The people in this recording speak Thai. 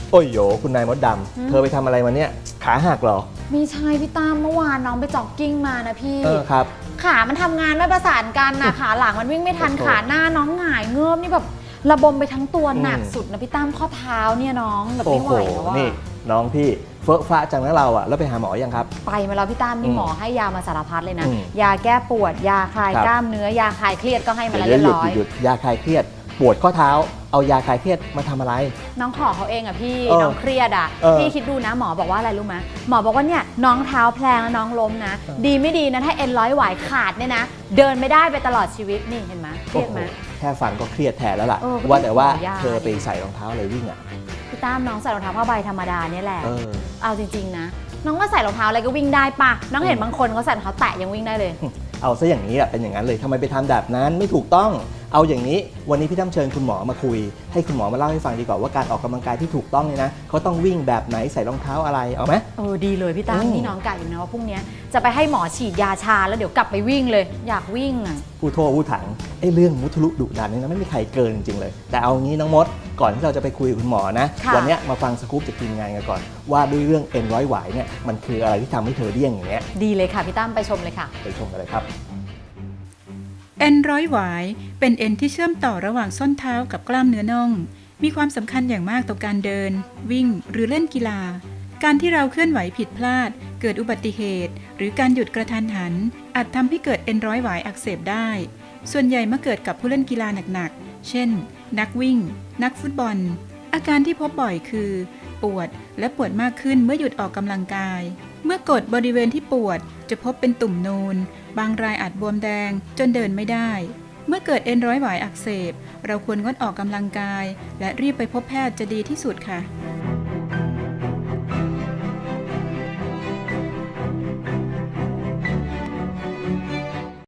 โอ้ยโยคุณนายมดดำเธอไปทำอะไรมาเนี่ยขาหักเหรอไม่ใช่พี่ตั้มเมื่อวานน้องไปจ็อกกิ้งมานะพี่ครับขามันทำงานไม่ประสานกันนะขาหลังมันวิ่งไม่ทันขาหน้าน้องหงายเงือบนี่แบบระบมไปทั้งตัวหนักสุดนะพี่ตั้มข้อเท้าเนี่ยน้องแบบไม่ไหวแล้วว่านี่น้องพี่เฟ้อฟ้าจังนะเราอะแล้วไปหาหมอยังครับไปมาแล้วพี่ตั้มนี่หมอให้ยามาสารพัดเลยนะยาแก้ปวดยาคลายกล้ามเนื้อยาคลายเครียดก็ให้มาแล้วเรียบร้อยหยุดยาคลายเครียดปวดข้อเท้าเอายาคลายเครียดมาทำอะไรน้องขอเขาเองอะพี่น้องเครียดอะพี่คิดดูนะหมอบอกว่าอะไรรู้ไหมหมอบอกว่าเนี่ยน้องเท้าแพลงแล้วน้องล้มนะดีไม่ดีนะถ้าเอ็นร้อยหวายขาดเนี่ยนะเดินไม่ได้ไปตลอดชีวิตนี่เห็นไหมเครียดไหมแค่ฟังก็เครียดแทนแล้วล่ะว่าแต่ว่าเธอไปใส่รองเท้าอะไรวิ่งอะพี่ตั้มน้องใส่รองเท้าผ้าใบธรรมดาเนี่ยแหละเอาจริงๆนะน้องก็ใส่รองเท้าอะไรก็วิ่งได้ปะน้องเห็นบางคนเขาใส่รองเท้าแตะยังวิ่งได้เลยเอาซะอย่างนี้แหละเป็นอย่างนั้นเลยทำไมไปทำแบบนั้นไม่ถูกต้องเอาอย่างนี้วันนี้พี่ตั้มเชิญคุณหมอมาคุยให้คุณหมอมาเล่าให้ฟังดีกว่าว่าการออกกำลังกายที่ถูกต้องเนี่ยนะเขาต้องวิ่งแบบไหนใส่รองเท้าอะไรเอาไหมดีเลยพี่ตั้มนี่น้องกะอยู่นะว่าพรุ่งนี้จะไปให้หมอฉีดยาชาแล้วเดี๋ยวกลับไปวิ่งเลยอยากวิ่งอ่ะผู้โทษผู้ถังเรื่องมุทะลุดุดันนี่นะไม่มีใครเกินจริงๆเลยแต่เอางี้น้องมดก่อนที่เราจะไปคุยกับคุณหมอนะวันนี้มาฟังสกู๊ปจากทีมงานกันก่อนว่าด้วยเรื่องเอ็นร้อยหวายเนี่ยมันคืออะไรที่ทำให้เธอเดี้ยงอย่างเงี้ยดีเลยค่ะพี่ตั้มไปชมเลยค่ะไปชมกันเลยครับเอ็นร้อยหวายเป็นเอ็นที่เชื่อมต่อระหว่างส้นเท้ากับกล้ามเนื้อน่องมีความสำคัญอย่างมากต่อการเดินวิ่งหรือเล่นกีฬาการที่เราเคลื่อนไหวผิดพลาดเกิดอุบัติเหตุหรือการหยุดกระทันหันอาจทำให้เกิดเอ็นร้อยหวายอักเสบได้ส่วนใหญ่มาเกิดกับผู้เล่นกีฬาหนักๆเช่นนักวิ่งนักฟุตบอลอาการที่พบบ่อยคือปวดและปวดมากขึ้นเมื่อหยุดออกกำลังกายเมื่อกดบริเวณที่ปวดจะพบเป็นตุ่มนูนบางรายอาจบวมแดงจนเดินไม่ได้เมื่อเกิดเอ็นร้อยหวายอักเสบเราควรงดออกกำลังกายและรีบไปพบแพทย์จะดีที่สุดค่ะ